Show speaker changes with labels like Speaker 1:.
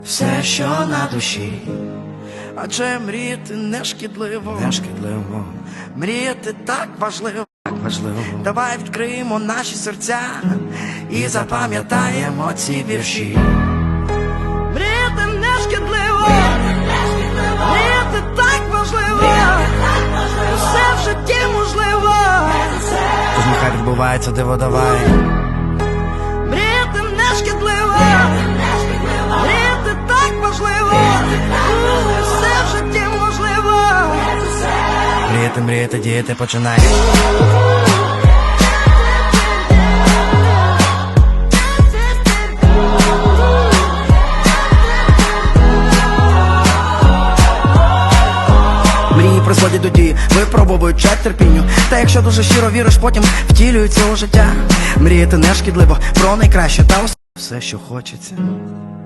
Speaker 1: все, що на душі.
Speaker 2: Адже мріяти не шкідливо,
Speaker 1: Не шкідливо,
Speaker 2: мріяти так важливо.
Speaker 1: так важливо.
Speaker 2: Давай відкриємо наші серця і запам'ятаємо ці вірші. Мріяти не шкідливо, мріяти так важливо, все в житті можливо.
Speaker 1: Тож нехай відбувається диво, давай.
Speaker 2: Мріяти не шкідливо, мріяти так важливо, все в житті можливо.
Speaker 1: Мріяти, мріяти, діяти починай.
Speaker 2: Мрії призводять до дії, випробовують час терпінню. Та якщо дуже щиро віриш, потім втілюється у життя. Мріяти не шкідливо, про найкраще та
Speaker 1: Все, що хочеться.